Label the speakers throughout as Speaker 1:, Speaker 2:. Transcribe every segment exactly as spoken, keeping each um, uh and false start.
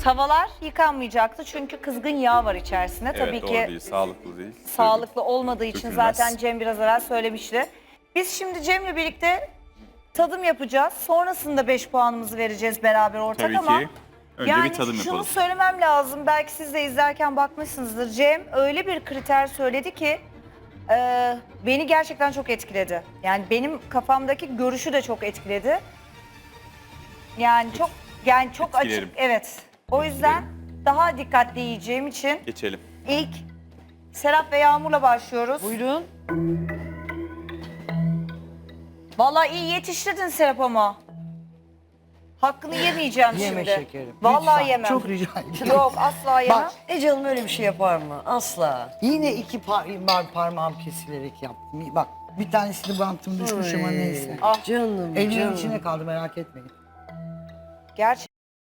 Speaker 1: Tavalar yıkanmayacaktı çünkü kızgın yağ var içerisinde.
Speaker 2: Evet,
Speaker 1: Tabii
Speaker 2: doğru
Speaker 1: ki
Speaker 2: değil, sağlıklı değil.
Speaker 1: sağlıklı olmadığı için
Speaker 2: Dökülmez.
Speaker 1: zaten Cem biraz evvel söylemişti. Biz şimdi Cem'le birlikte tadım yapacağız. Sonrasında beş puanımızı vereceğiz beraber ortak
Speaker 2: Tabii
Speaker 1: ama
Speaker 2: ki. Önce
Speaker 1: yani
Speaker 2: bir tadım
Speaker 1: şunu
Speaker 2: yapalım.
Speaker 1: söylemem lazım. Belki siz de izlerken bakmışsınızdır. Cem öyle bir kriter söyledi ki e, beni gerçekten çok etkiledi. Yani benim kafamdaki görüşü de çok etkiledi. Yani çok yani çok
Speaker 2: Etkilerim.
Speaker 1: açık, evet. O yüzden daha dikkatli yiyeceğim için
Speaker 2: Geçelim.
Speaker 1: ilk Serap ve Yağmur'la başlıyoruz.
Speaker 3: Buyurun.
Speaker 1: Vallahi iyi yetiştirdin Serap ama. Hakkını yemeyeceğim
Speaker 3: Yeme
Speaker 1: şimdi.
Speaker 3: şekerim.
Speaker 1: Vallahi
Speaker 3: Lütfen,
Speaker 1: yemem.
Speaker 3: Çok rica ederim.
Speaker 1: Yok asla yemem.
Speaker 3: Bak Ece Hanım öyle bir şey yapar mı? Asla. Yine iki par par parmağım kesilerek yaptım. Bak bir tanesini bantım düşmüş ama neyse.
Speaker 1: Ah.
Speaker 3: Canım Elimin içine kaldı merak etmeyin.
Speaker 1: Gerçi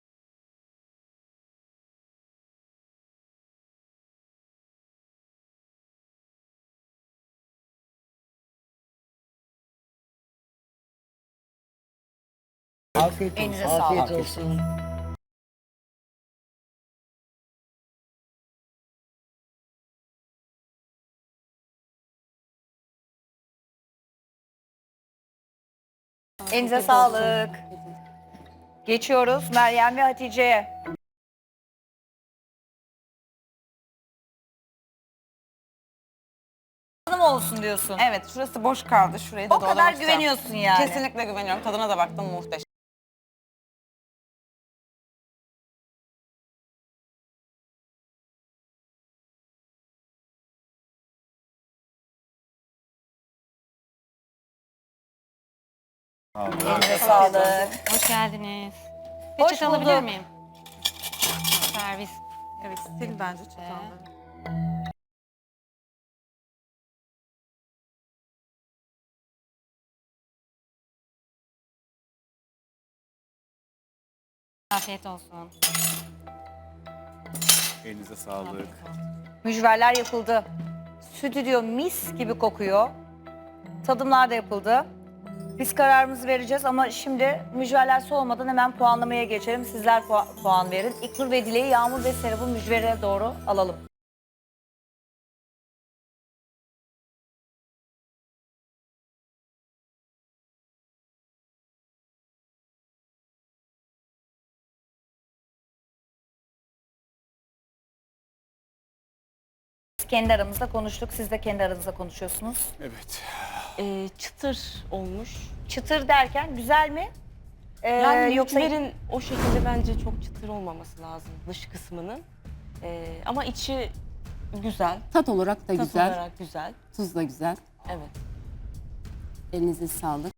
Speaker 3: Afiyet olsun.
Speaker 1: Elinize
Speaker 3: Afiyet
Speaker 1: sağlık.
Speaker 3: olsun.
Speaker 1: elinize sağlık. Geçiyoruz Meryem ve Hatice'ye. Hanım olsun diyorsun.
Speaker 4: Evet, şurası boş kaldı. Şurayı da
Speaker 1: O kadar
Speaker 4: doldurmak istiyorum.
Speaker 1: güveniyorsun yani.
Speaker 4: Kesinlikle güveniyorum. Tadına da baktım, muhteşem.
Speaker 1: Elinize sağlık.
Speaker 5: Hoş geldiniz.
Speaker 1: Hoş
Speaker 5: Peçete alabilir
Speaker 1: bulduk.
Speaker 5: miyim? Servis.
Speaker 4: Evet, sil bence çatalları.
Speaker 5: Afiyet olsun.
Speaker 2: Elinize sağlık.
Speaker 1: Mücverler yapıldı. Stüdyo mis gibi kokuyor. Tadımlar da yapıldı. Biz kararımızı vereceğiz ama şimdi mücverler soğumadan hemen puanlamaya geçelim. Sizler pu- puan verin. İknur ve Dileği, Yağmur ve Serap'ı mücvere doğru alalım. Biz kendi aramızda konuştuk. Siz de kendi aranızda konuşuyorsunuz.
Speaker 2: Evet.
Speaker 6: Ee, çıtır olmuş.
Speaker 1: Çıtır derken güzel mi? Ee,
Speaker 6: Yani
Speaker 1: yoksa
Speaker 6: mücverin o şekilde bence çok çıtır olmaması lazım dış kısmının. Ee, ama içi güzel.
Speaker 7: Tat olarak da
Speaker 6: Tat
Speaker 7: güzel,
Speaker 6: olarak güzel.
Speaker 7: tuz da güzel.
Speaker 6: Evet.
Speaker 7: Elinize sağlık.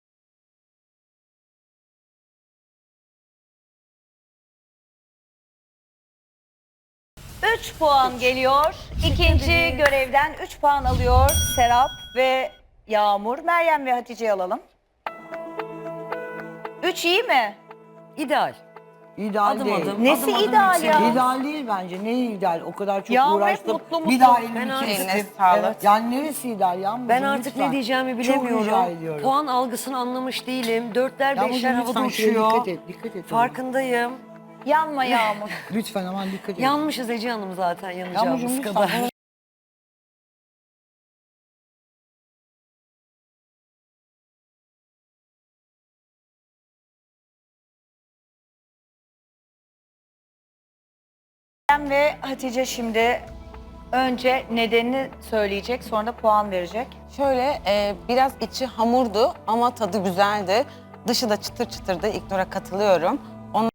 Speaker 1: üç puan geliyor. İkinci görevden üç puan alıyor Serap ve Yağmur. Meryem ve Hatice'yi alalım. üç iyi mi?
Speaker 3: İdeal. İdeal
Speaker 6: Adım
Speaker 3: değil.
Speaker 6: adım.
Speaker 1: Nesi
Speaker 6: adım adım
Speaker 1: ideal
Speaker 6: yükseliyor.
Speaker 1: ya?
Speaker 3: İdeal değil bence. Ne ideal? O kadar çok
Speaker 1: Yağmur hep
Speaker 3: uğraştım.
Speaker 1: mutlu mutlu.
Speaker 3: Bir daha elimi
Speaker 4: Ben
Speaker 3: kestim.
Speaker 4: eline sağlık.
Speaker 3: Evet. Yani neresi ideal Yağmurcuğum?
Speaker 8: Ben artık
Speaker 3: lütfen.
Speaker 8: ne diyeceğimi
Speaker 3: Çok rica
Speaker 8: bilemiyorum.
Speaker 3: ediyorum.
Speaker 8: Puan algısını anlamış değilim. Dörtler
Speaker 3: Yağmurcuğum,
Speaker 8: beşler havada
Speaker 3: lütfen şuraya
Speaker 8: uçuyor.
Speaker 3: Dikkat et, dikkat et.
Speaker 8: Farkındayım.
Speaker 1: Yanma Yağmur.
Speaker 3: Lütfen aman dikkat et.
Speaker 8: Yanmışız Ece Hanım zaten
Speaker 3: Yağmurcuğum
Speaker 8: yanacağımız
Speaker 3: lütfen.
Speaker 8: kadar.
Speaker 1: Meryem ve Hatice şimdi önce nedenini söyleyecek, sonra da puan verecek.
Speaker 4: Şöyle, e, biraz içi hamurdu ama tadı güzeldi. Dışı da çıtır çıtırdı. İlknur'a katılıyorum. Onun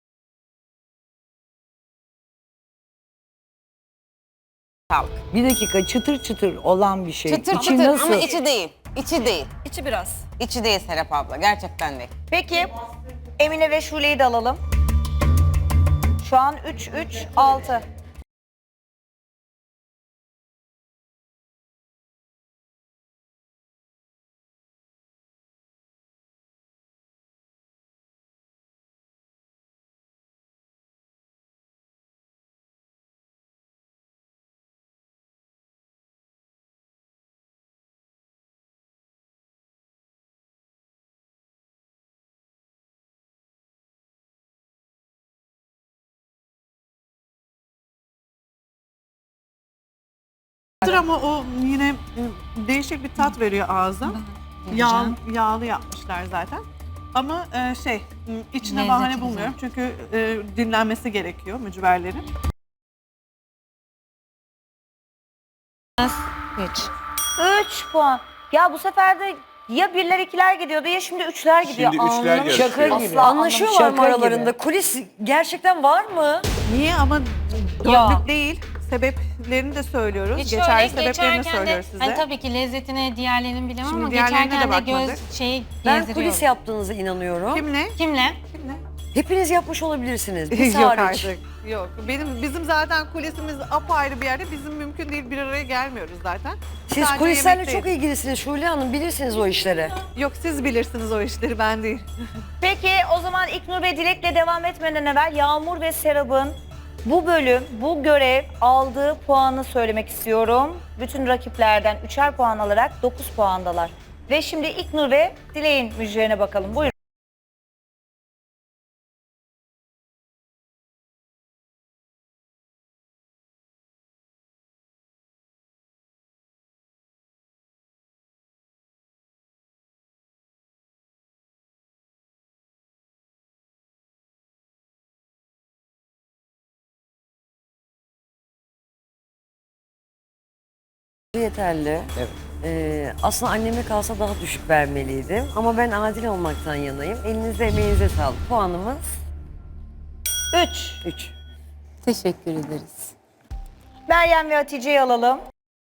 Speaker 4: sağlık.
Speaker 3: Bir dakika çıtır çıtır olan bir şey.
Speaker 4: Çıtır
Speaker 3: İçi
Speaker 4: çıtır
Speaker 3: nasıl?
Speaker 4: ama içi değil. İçi değil.
Speaker 1: İçi biraz.
Speaker 4: İçi değil Serap abla. Gerçekten değil.
Speaker 1: Peki Emine ve Şule'yi de alalım. Şu an üç üç altı.
Speaker 9: Ama o yine e, değişik bir tat veriyor ağza. Yağ, yağlı yapmışlar zaten. Ama e, şey m, içine
Speaker 5: Lezzeti
Speaker 9: bahane
Speaker 5: güzel.
Speaker 9: bulmuyorum çünkü e, dinlenmesi gerekiyor mücverlerin.
Speaker 5: Üç.
Speaker 1: Üç puan. Ya bu sefer de ya birler ikiler gidiyordu ya şimdi üçler gidiyor.
Speaker 2: Şimdi üçler
Speaker 1: Anlamış-
Speaker 2: yarışıyor.
Speaker 8: Şaka gibi.
Speaker 1: Asla
Speaker 8: Anlaşıyorlar mı
Speaker 1: anlamış-
Speaker 8: aralarında? Kulis gerçekten var mı?
Speaker 9: Niye ama
Speaker 5: Ya.
Speaker 9: dörtlük değil. Sebeplerini de söylüyoruz.
Speaker 5: Hiç
Speaker 9: Geçerli
Speaker 5: öyle
Speaker 9: sebeplerini
Speaker 5: geçerken de
Speaker 9: söylüyoruz size.
Speaker 5: hani tabii ki lezzetine diğerlerini bilemem
Speaker 9: Şimdi
Speaker 5: ama
Speaker 9: diğerlerine de
Speaker 5: geçerken de
Speaker 9: bakmadık.
Speaker 5: göz şeyi
Speaker 8: Ben
Speaker 5: gezdiriyorum.
Speaker 8: kulis yaptığınıza inanıyorum.
Speaker 9: Kimle?
Speaker 5: Kimle?
Speaker 8: Hepiniz yapmış olabilirsiniz. Biz
Speaker 9: Yok
Speaker 8: hariç.
Speaker 9: artık. Yok. Benim bizim zaten kulisimiz apayrı bir yerde. Bizim mümkün değil bir araya gelmiyoruz zaten.
Speaker 8: Siz
Speaker 9: Sadece
Speaker 8: kulislerle
Speaker 9: yemekteyiz.
Speaker 8: çok ilgilisiniz Şule Hanım. Bilirsiniz o işleri.
Speaker 9: Yok siz bilirsiniz o işleri ben değil.
Speaker 1: Peki o zaman İknur ve Dilek'le devam etmeden evvel Yağmur ve Serap'ın bu bölüm, bu görev aldığı puanı söylemek istiyorum. Bütün rakiplerden üçer puan alarak dokuz puandalar. Ve şimdi İknur ve Dilek'in müjdelerine bakalım. Buyurun.
Speaker 8: Yeterli. Evet. Ee, aslında anneme kalsa daha düşük vermeliydim. Ama ben adil olmaktan yanayım. Elinize emeğinize sağlık. Puanımız
Speaker 1: Üç.
Speaker 8: üç.
Speaker 7: Teşekkür ederiz.
Speaker 1: Meryem ve Hatice'yi alalım.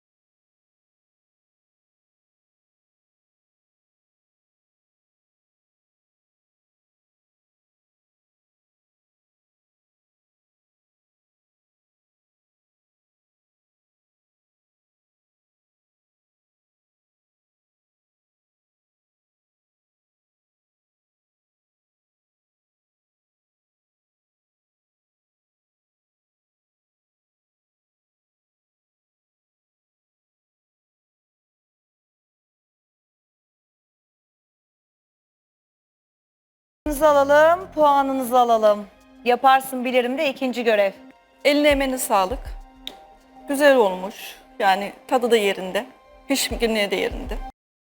Speaker 1: Puanınızı alalım, puanınızı alalım. Yaparsın bilirim de ikinci görev.
Speaker 10: Eline emeğine sağlık. Güzel olmuş. Yani tadı da yerinde. Pişkinliği de yerinde.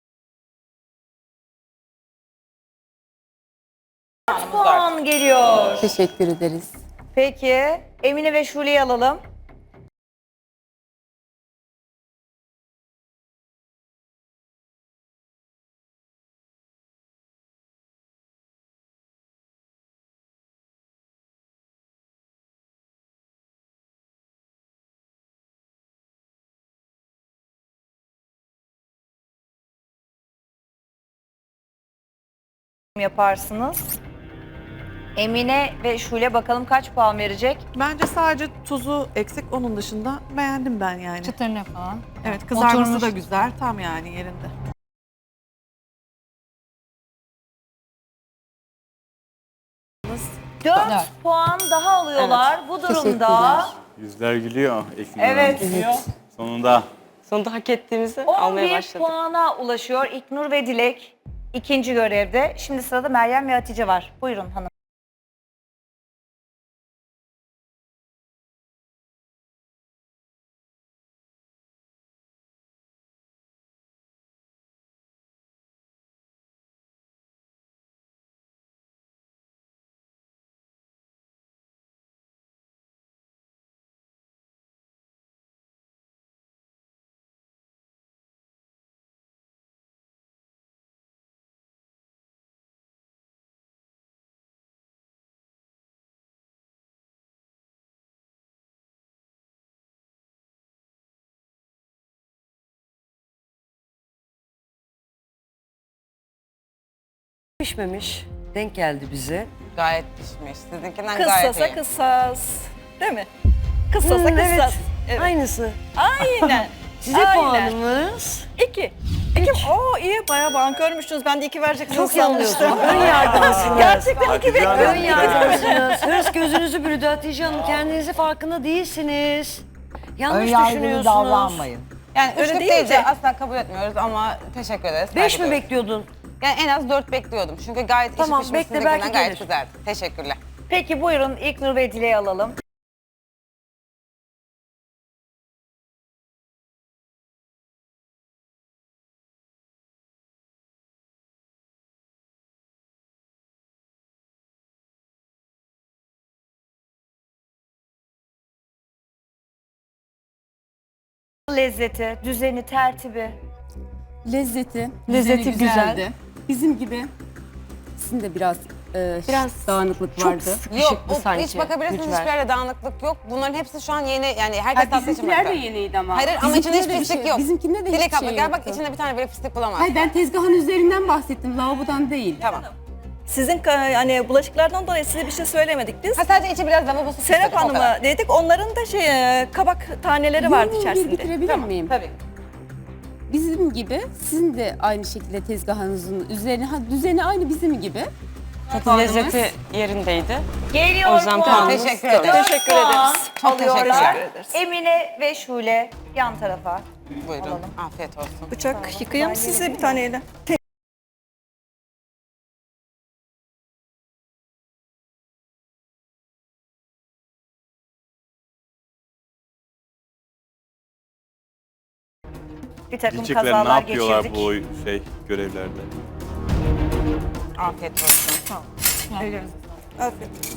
Speaker 1: Puan geliyor.
Speaker 7: Teşekkür ederiz.
Speaker 1: Peki Emine ve Şule'yi alalım. Yaparsınız. Emine ve Şule bakalım kaç puan verecek?
Speaker 9: Bence sadece tuzu eksik. Onun dışında beğendim ben yani.
Speaker 5: Çıtırlı falan.
Speaker 9: Evet kızarması
Speaker 5: Oturmuş.
Speaker 9: da güzel. Tam yani yerinde.
Speaker 1: dört puan daha alıyorlar. Bu durumda
Speaker 7: Teşekkürler.
Speaker 2: Yüzler gülüyor Eknur
Speaker 1: evet
Speaker 2: Hanım. Sonunda.
Speaker 6: Sonunda hak ettiğimizi almaya
Speaker 1: on bir
Speaker 6: başladık.
Speaker 1: puana ulaşıyor İknur ve Dilek ikinci görevde. Şimdi sırada Meryem ve Hatice var. Buyurun hanım.
Speaker 8: Pişmemiş. Denk geldi bize.
Speaker 4: Gayet pişmiş. Sizinkinden gayet
Speaker 10: Kıssasa
Speaker 4: iyi.
Speaker 10: kıssas. Değil mi? Kıssasa
Speaker 8: Hmm, evet.
Speaker 10: kıssas. Evet.
Speaker 8: Aynısı.
Speaker 10: Aynen.
Speaker 8: Size
Speaker 10: Aynen.
Speaker 8: puanımız
Speaker 10: İki. İki. Oo iyi bayağı bankörmüşsünüz. Ben de iki vereceksiniz
Speaker 8: çok yanılıyorsunuz.
Speaker 10: sanmıştım.
Speaker 8: Ön yargılısınız.
Speaker 10: Gerçekten iki
Speaker 2: Hatice
Speaker 10: bekliyorum.
Speaker 8: Ön yargılısınız. Hırs gözünüzü bürüdü Hatice Hanım. Kendinizi farkında değilsiniz. Yanlış
Speaker 3: Önyargılı
Speaker 8: düşünüyorsunuz.
Speaker 3: davranmayın.
Speaker 4: Yani
Speaker 10: Öyle
Speaker 4: üçlük
Speaker 10: değil
Speaker 4: değil de
Speaker 10: de.
Speaker 4: asla kabul etmiyoruz ama teşekkür ederiz.
Speaker 8: Beş
Speaker 4: saygı
Speaker 8: mi
Speaker 4: duyuyoruz.
Speaker 8: bekliyordun?
Speaker 4: Yani en az dört bekliyordum. Çünkü gayet
Speaker 8: Tamam,
Speaker 4: içi pişmiş.
Speaker 8: bekle, belki
Speaker 4: Sizinkinden gayet
Speaker 8: gelir.
Speaker 4: güzeldi. Teşekkürler.
Speaker 1: Peki buyurun İknur ve Dilek'i alalım. lezzeti, düzeni, tertibi.
Speaker 7: Lezzeti,
Speaker 6: Lezzeti
Speaker 7: düzeni
Speaker 6: güzel.
Speaker 7: güzeldi. Bizim gibi sizin de biraz, e,
Speaker 6: Biraz
Speaker 7: dağınıklık
Speaker 6: çok
Speaker 7: vardı.
Speaker 4: Yok,
Speaker 6: bu
Speaker 4: o,
Speaker 6: sanki.
Speaker 4: hiç bakabilirsiniz
Speaker 6: Mücver.
Speaker 4: hiçbir yerde dağınıklık yok. Bunların hepsi şu an yeni, yani herkes
Speaker 7: Hayır,
Speaker 4: tatlı için
Speaker 7: bizimkiler de
Speaker 4: bakıyor.
Speaker 7: yeniydi ama.
Speaker 4: Hayır ama içinde hiç
Speaker 7: Bizimkinde de bir
Speaker 4: pislik
Speaker 7: şey-
Speaker 4: yok.
Speaker 7: Bizimkinde de
Speaker 4: Dilek
Speaker 7: hiçbir
Speaker 4: abla
Speaker 7: şey
Speaker 4: gel bak
Speaker 7: yoktu.
Speaker 4: içinde bir tane bile pislik bulamazsın.
Speaker 7: Hayır, ben tezgahın üzerinden bahsettim, lavabodan değil.
Speaker 4: Tamam.
Speaker 10: Sizin ka- yani bulaşıklardan dolayı size bir şey söylemedik biz.
Speaker 4: Ha sadece içi biraz lavabosu
Speaker 10: Serap
Speaker 4: pislik, o kadar.
Speaker 10: Hanım'a dedik. Onların da şey e, kabak taneleri vardı
Speaker 7: Yorumu bir
Speaker 10: içerisinde.
Speaker 7: bitirebilir
Speaker 4: Tamam,
Speaker 7: miyim?
Speaker 4: tabii.
Speaker 7: Bizim gibi sizin de aynı şekilde tezgahınızın üzerine, ha, düzeni aynı bizim gibi.
Speaker 6: Tadı lezzeti yerindeydi.
Speaker 1: Geliyor
Speaker 6: O yüzden
Speaker 1: puan.
Speaker 6: puanımız
Speaker 4: Teşekkür
Speaker 1: Dört
Speaker 4: ederim.
Speaker 10: Teşekkür
Speaker 1: puan
Speaker 10: ederiz.
Speaker 4: Çok
Speaker 1: alıyorlar.
Speaker 4: teşekkür
Speaker 10: ederiz.
Speaker 1: Emine ve Şule yan tarafa.
Speaker 4: Buyurun.
Speaker 1: Alalım.
Speaker 4: Afiyet olsun.
Speaker 10: Bıçak yıkayayım size bir taneyle.
Speaker 1: Bir takım
Speaker 2: Diyecekler ne
Speaker 1: kazalar
Speaker 2: yapıyorlar
Speaker 1: geçirdik.
Speaker 2: bu oy- şey görevlerde?
Speaker 4: Afiyet olsun.
Speaker 10: Afiyet olsun.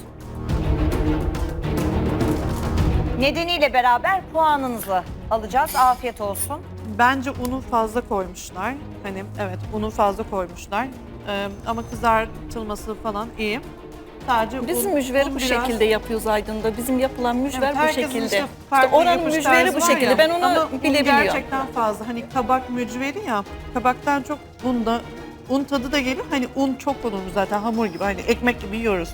Speaker 1: Nedeniyle beraber puanınızı alacağız. Afiyet olsun.
Speaker 9: Bence unu fazla koymuşlar. Hani evet unu fazla koymuşlar. Ee, ama kızartılması falan iyi. Sadece
Speaker 10: Biz
Speaker 9: un-
Speaker 10: mücveri
Speaker 9: un
Speaker 10: bu
Speaker 9: biraz-
Speaker 10: şekilde yapıyoruz Aydın'da. Bizim yapılan mücver
Speaker 9: Evet,
Speaker 10: bu
Speaker 9: herkesin
Speaker 10: şekilde.
Speaker 9: işte
Speaker 10: İşte
Speaker 9: farklı
Speaker 10: oranın
Speaker 9: yapış
Speaker 10: mücveri
Speaker 9: tarzı
Speaker 10: bu
Speaker 9: var
Speaker 10: şekilde.
Speaker 9: ya.
Speaker 10: Ben onu
Speaker 9: Ama un
Speaker 10: bilebiliyorum.
Speaker 9: gerçekten fazla. Hani kabak mücveri ya. Kabaktan çok un da un tadı da geliyor. Hani un çok konulmuş zaten hamur gibi. Hani ekmek gibi yiyoruz.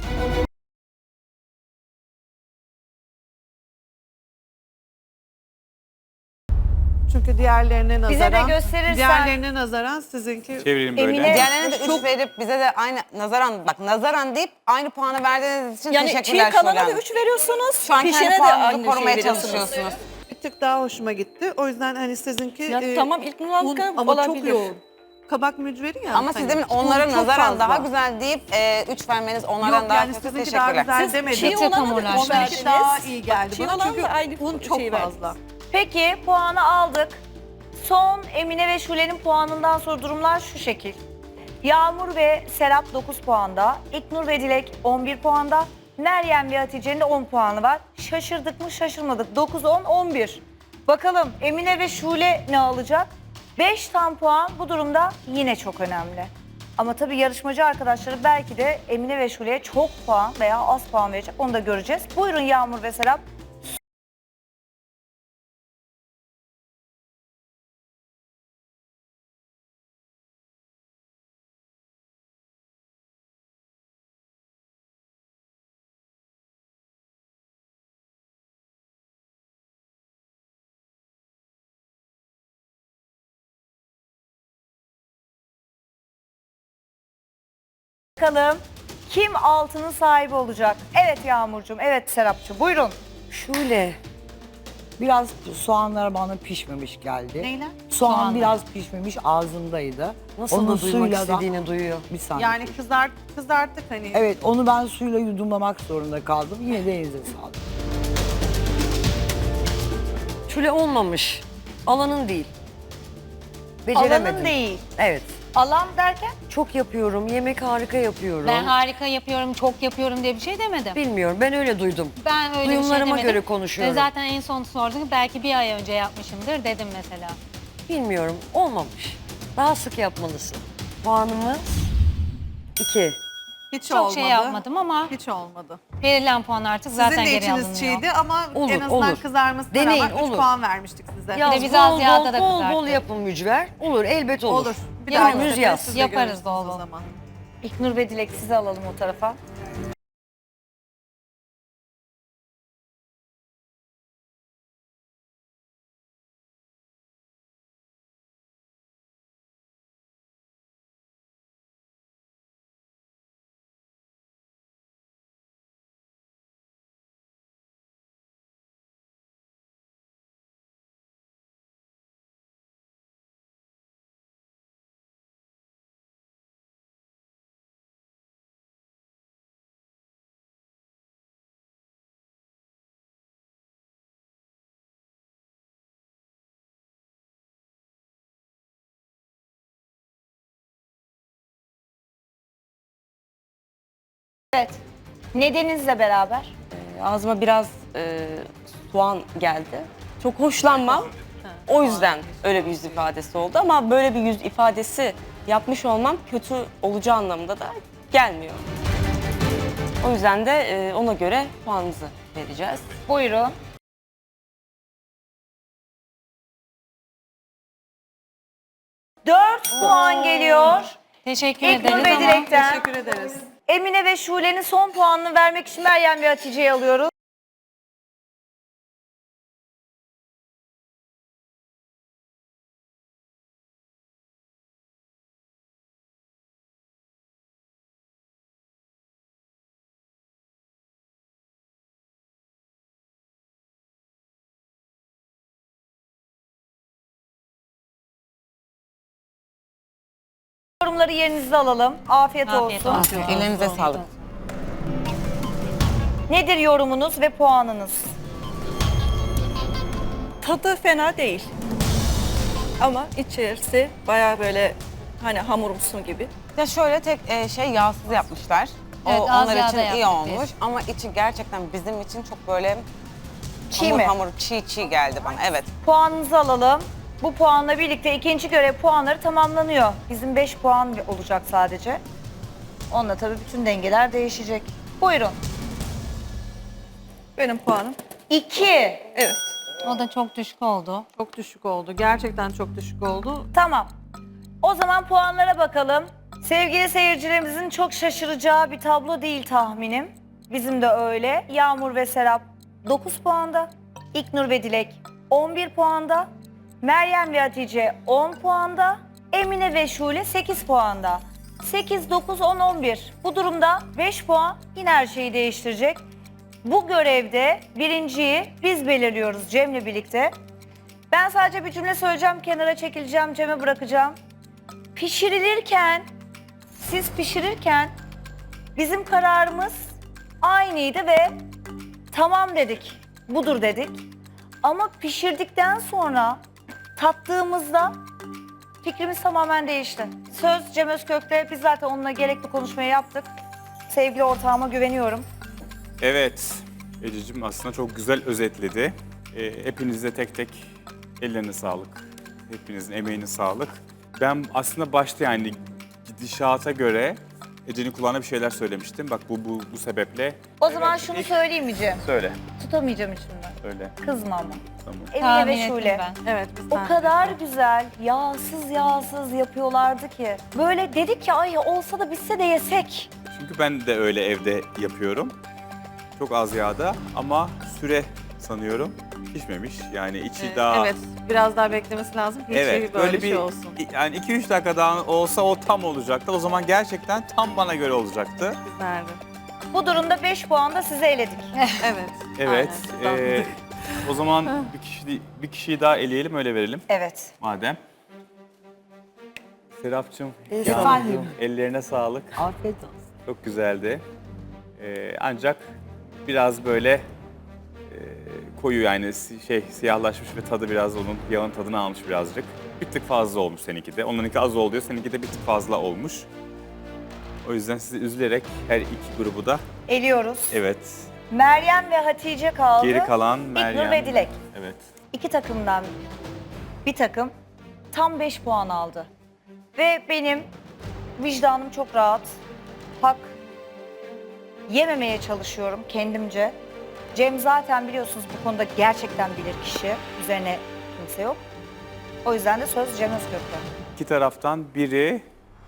Speaker 9: Çünkü diğerlerine
Speaker 1: Bize de
Speaker 9: nazaran,
Speaker 1: gösterirsen-
Speaker 9: diğerlerine nazaran sizinki
Speaker 2: Çevireyim böyle.
Speaker 1: Emine-
Speaker 4: Diğerlerine de üç verip bize de aynı nazaran, bak nazaran deyip aynı puanı verdiğiniz için
Speaker 10: Yani çiğ
Speaker 4: teşekkürler
Speaker 10: kalana
Speaker 4: Şule
Speaker 10: da
Speaker 4: Hanım.
Speaker 10: üç veriyorsunuz.
Speaker 4: Şu an
Speaker 10: pişene
Speaker 4: kendi
Speaker 10: de
Speaker 4: puanınızı
Speaker 10: aynı
Speaker 4: korumaya
Speaker 10: şeyi veriyorsunuz.
Speaker 4: çalışıyorsunuz.
Speaker 9: bir tık daha hoşuma gitti. O yüzden hani sizinki
Speaker 10: Ya
Speaker 9: e,
Speaker 10: tamam, ilk
Speaker 9: un
Speaker 10: nüanska
Speaker 9: ama çok
Speaker 10: olabilir.
Speaker 9: yoğun. Kabak mücveri ya.
Speaker 4: Ama siz
Speaker 9: hani
Speaker 4: demin
Speaker 9: un
Speaker 4: onlara
Speaker 9: çok
Speaker 4: nazaran
Speaker 9: fazla.
Speaker 4: daha güzel deyip üç vermeniz onlardan
Speaker 9: Yok
Speaker 4: daha
Speaker 9: yani
Speaker 4: kötü,
Speaker 9: sizinki daha
Speaker 4: teşekkürler.
Speaker 9: güzel
Speaker 10: Siz
Speaker 9: demedim.
Speaker 10: çiğ
Speaker 5: Çok
Speaker 10: olana da
Speaker 5: hamurlar.
Speaker 10: üç
Speaker 9: Onlarınki
Speaker 10: verdiniz.
Speaker 9: daha iyi geldi
Speaker 10: Çiğ
Speaker 9: bana
Speaker 10: olan
Speaker 9: çünkü
Speaker 10: da aynı
Speaker 9: un
Speaker 10: şey
Speaker 9: çok
Speaker 10: verdiniz.
Speaker 9: fazla.
Speaker 1: Peki puanı aldık. Son Emine ve Şule'nin puanından sonra durumlar şu şekil. Yağmur ve Serap dokuz puanda, İknur ve Dilek on bir puanda, Meryem ve Hatice'nin de on puanı var. Şaşırdık mı şaşırmadık. dokuz, on, on bir. Bakalım Emine ve Şule ne alacak? beş tam puan bu durumda yine çok önemli. Ama tabii yarışmacı arkadaşları belki de Emine ve Şule'ye çok puan veya az puan verecek. Onu da göreceğiz. Buyurun Yağmur ve Serap. Bakalım kim altının sahibi olacak? Evet Yağmurcuğum, evet Serapcığım. Buyurun.
Speaker 3: Şule. Biraz soğanlar bana pişmemiş geldi.
Speaker 9: Neyler?
Speaker 3: Soğan
Speaker 1: Soğanlar.
Speaker 3: biraz pişmemiş ağzımdaydı.
Speaker 8: Nasıl
Speaker 3: Onun
Speaker 8: da duymak
Speaker 3: suyla da-
Speaker 8: istediğini duyuyor.
Speaker 3: Bir saniye.
Speaker 9: Yani kızart, kızarttık hani.
Speaker 3: Evet onu ben suyla yudumlamak zorunda kaldım. Yine de elinize sağlık.
Speaker 8: Şule olmamış. Alanın değil. Beceremedim.
Speaker 1: Alanın değil.
Speaker 8: Evet.
Speaker 1: Alan derken?
Speaker 8: Çok yapıyorum. Yemek harika yapıyorum.
Speaker 5: Ben harika yapıyorum, çok yapıyorum diye bir şey demedim.
Speaker 8: Bilmiyorum. Ben öyle duydum.
Speaker 5: Ben öyle bir şey
Speaker 8: Duyumlarıma
Speaker 5: demedim.
Speaker 8: göre konuşuyorum.
Speaker 5: Ve zaten en son sordun belki bir ay önce yapmışımdır dedim mesela.
Speaker 8: Bilmiyorum. Olmamış. Daha sık yapmalısın. Puanımız iki.
Speaker 9: Hiç
Speaker 5: Çok
Speaker 9: olmadı.
Speaker 5: şey yapmadım ama
Speaker 9: Hiç olmadı.
Speaker 5: verilen puan artık zaten
Speaker 9: Sizin de
Speaker 5: geri
Speaker 9: içiniz
Speaker 5: alınıyor.
Speaker 9: çiğdi ama
Speaker 8: Olur,
Speaker 9: en azından
Speaker 8: olur.
Speaker 9: kızarmasına
Speaker 8: Deneyin,
Speaker 9: rağmen üç
Speaker 8: olur.
Speaker 9: puan vermiştik size.
Speaker 8: Yaz,
Speaker 5: biz az
Speaker 8: bol,
Speaker 5: yağda da
Speaker 8: bol, bol, bol
Speaker 5: kızarttık.
Speaker 8: yapın mücver. Olur, elbet olur.
Speaker 9: Olur. Bir
Speaker 5: Yaparız.
Speaker 9: dahaki
Speaker 8: Önümüz yaz.
Speaker 9: siz de
Speaker 5: Yaparız
Speaker 9: görürsünüz
Speaker 5: bol bol.
Speaker 9: o zaman.
Speaker 1: İknur ve Dilek sizi alalım o tarafa. Evet. Nedeninizle beraber.
Speaker 6: Ağzıma biraz e, soğan geldi. Çok hoşlanmam. O yüzden öyle bir yüz ifadesi oldu ama böyle bir yüz ifadesi yapmış olmam kötü olacağı anlamında da gelmiyor. O yüzden de e, ona göre puanımızı vereceğiz.
Speaker 1: Buyurun. Dört puan geliyor.
Speaker 5: Teşekkür
Speaker 1: İlknur
Speaker 5: ederiz
Speaker 1: ve
Speaker 5: ama
Speaker 1: Dilek'ten.
Speaker 9: Teşekkür ederiz.
Speaker 1: Emine ve Şule'nin son puanını vermek için Meryem ve Hatice'yi alıyoruz. Yorumları yerinizde alalım. Afiyet,
Speaker 5: Afiyet
Speaker 1: olsun.
Speaker 5: olsun.
Speaker 4: Ellerinize sağlık.
Speaker 1: Nedir yorumunuz ve puanınız?
Speaker 10: Tadı fena değil. Ama içerisi bayağı böyle hani hamurumsu gibi.
Speaker 4: Ya şöyle tek e, şey yağsız yapmışlar. O
Speaker 5: Evet, az
Speaker 4: onlar
Speaker 5: yağda
Speaker 4: için iyi
Speaker 5: yaptık
Speaker 4: olmuş
Speaker 5: biz.
Speaker 4: ama içi gerçekten bizim için çok böyle
Speaker 1: Çiğ
Speaker 4: hamur
Speaker 1: mi?
Speaker 4: hamur çiğ çiğ geldi bana. Evet.
Speaker 1: Puanınızı alalım. Bu puanla birlikte ikinci görev puanları tamamlanıyor. Bizim beş puan olacak sadece. Onunla tabii bütün dengeler değişecek. Buyurun.
Speaker 10: Benim puanım
Speaker 1: İki.
Speaker 10: evet.
Speaker 5: o da çok düşük oldu.
Speaker 9: Çok düşük oldu. Gerçekten çok düşük oldu.
Speaker 1: Tamam. O zaman puanlara bakalım. Sevgili seyircilerimizin çok şaşıracağı bir tablo değil tahminim. Bizim de öyle. Yağmur ve Serap dokuz puanda. İlknur ve Dilek on bir puanda. Meryem ve Hatice on puanda. Emine ve Şule sekiz puanda. sekiz, dokuz, on, on bir. Bu durumda beş puan yine her şeyi değiştirecek. Bu görevde birinciyi biz belirliyoruz Cem'le birlikte. Ben sadece bir cümle söyleyeceğim, kenara çekileceğim, Cem'e bırakacağım. Pişirilirken, siz pişirirken bizim kararımız aynıydı ve tamam dedik, budur dedik. Ama pişirdikten sonra tattığımızda fikrimiz tamamen değişti. Söz Cem Özkök'te, biz zaten onunla gerekli konuşmayı yaptık. Sevgili ortağıma güveniyorum.
Speaker 2: Evet. Ececiğim aslında çok güzel özetledi. Ee, hepinize tek tek ellerine sağlık. Hepinizin emeğine sağlık. Ben aslında başta yani gidişata göre Ece'nin kulağına bir şeyler söylemiştim. Bak bu bu, bu sebeple.
Speaker 1: O zaman
Speaker 2: Evet,
Speaker 1: şunu
Speaker 2: ilk-
Speaker 1: söyleyeyim mi Cem?
Speaker 2: Söyle.
Speaker 1: Tutamayacağım içimden.
Speaker 2: Söyle.
Speaker 1: Kızma ama.
Speaker 2: Tamam.
Speaker 1: Emine
Speaker 5: Tahmin
Speaker 1: ve
Speaker 5: ettim
Speaker 1: Şule.
Speaker 5: ben.
Speaker 9: Evet. biz
Speaker 1: O
Speaker 9: tahmin
Speaker 1: kadar
Speaker 9: ettik.
Speaker 1: güzel, yağsız yağsız yapıyorlardı ki. Böyle dedik ki ay olsa da bitse de yesek.
Speaker 2: Çünkü ben de öyle evde yapıyorum. Çok az yağda ama süre sanıyorum pişmemiş. Yani içi
Speaker 9: Ee,
Speaker 2: daha...
Speaker 9: Evet. Biraz daha beklemesi lazım ki
Speaker 2: Evet,
Speaker 9: içi böyle,
Speaker 2: böyle
Speaker 9: şey
Speaker 2: bir
Speaker 9: olsun.
Speaker 2: yani iki üç dakika daha olsa o tam olacaktı. O zaman gerçekten tam bana göre olacaktı.
Speaker 9: Güzeldi.
Speaker 1: Bu durumda beş puan da size eledik.
Speaker 9: Evet.
Speaker 2: Evet.
Speaker 9: Aynen.
Speaker 2: eee, o zaman bir kişi bir kişiyi daha eleyelim öyle verelim
Speaker 1: Evet.
Speaker 2: madem. Serapcığım,
Speaker 3: Efendim?
Speaker 2: Yağmurcuğum, ellerine sağlık.
Speaker 3: Afiyet olsun.
Speaker 2: Çok güzeldi. Eee, ancak biraz böyle eee, koyu yani si- şey siyahlaşmış ve tadı biraz onun yağın tadını almış birazcık. Bir tık fazla olmuş seninki de. Onlarınki az oldu diyor, seninki de bir tık fazla olmuş. O yüzden sizi üzülerek her iki grubu da
Speaker 1: Eliyoruz.
Speaker 2: evet.
Speaker 1: Meryem ve Hatice kaldı.
Speaker 2: Geri kalan
Speaker 1: İlknur
Speaker 2: Meryem.
Speaker 1: ve Dilek.
Speaker 2: Evet.
Speaker 1: İki takımdan bir takım tam beş puan aldı. Ve benim vicdanım çok rahat. Hak yememeye çalışıyorum kendimce. Cem zaten biliyorsunuz bu konuda gerçekten bilir kişi. Üzerine kimse yok. O yüzden de söz Cem Özkök'te.
Speaker 2: İki taraftan biri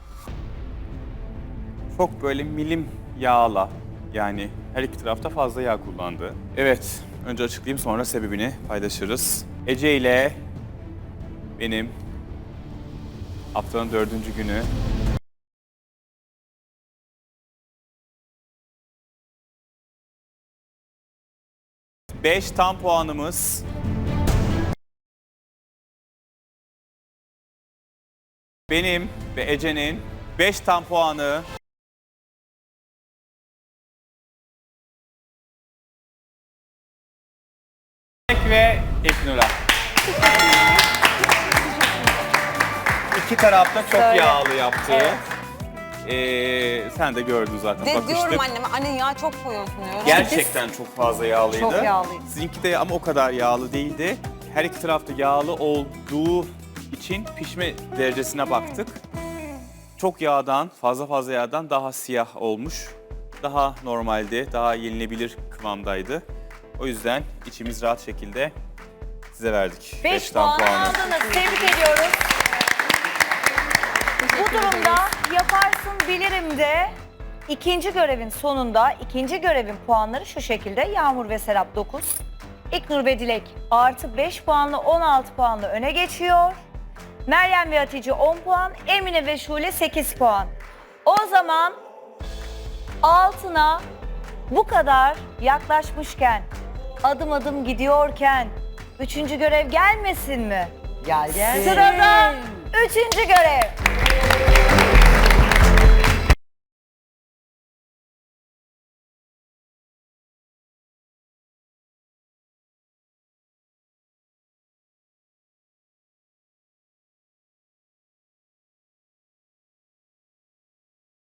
Speaker 2: çok böyle milim yağla yani her iki tarafta fazla yağ kullandı. Evet, önce açıklayayım sonra sebebini paylaşırız. Ece ile benim haftanın dördüncü günü beş tam puanımız benim ve Ece'nin beş tam puanı ve İlknur'a. İki tarafta çok
Speaker 1: Söyle.
Speaker 2: yağlı yaptı.
Speaker 1: Evet.
Speaker 2: Ee, sen de gördün zaten.
Speaker 4: De,
Speaker 2: bakıştık.
Speaker 4: diyorum anneme anne yağ çok koyuyorsun diyorum.
Speaker 2: Gerçekten çok fazla yağlıydı.
Speaker 1: Çok yağlıydı.
Speaker 2: Sizinki de ama o kadar yağlı değildi. her iki tarafta yağlı olduğu için pişme derecesine baktık. Çok yağdan, fazla fazla yağdan daha siyah olmuş. Daha normalde, daha yenilebilir kıvamdaydı. O yüzden içimiz rahat şekilde size verdik.
Speaker 1: beş
Speaker 2: Beşten
Speaker 1: puan aldınız. Tebrik ediyoruz. Bu durumda yaparsın bilirim de ikinci görevin sonunda ikinci görevin puanları şu şekilde. Yağmur ve Serap dokuz. İknur ve Dilek artı beş puanla on altı puanla öne geçiyor. Meryem ve Hatice on puan. Emine ve Şule sekiz puan. O zaman altına bu kadar yaklaşmışken, adım adım gidiyorken üçüncü görev gelmesin mi?
Speaker 3: Gel gel.
Speaker 1: Sırada üçüncü görev.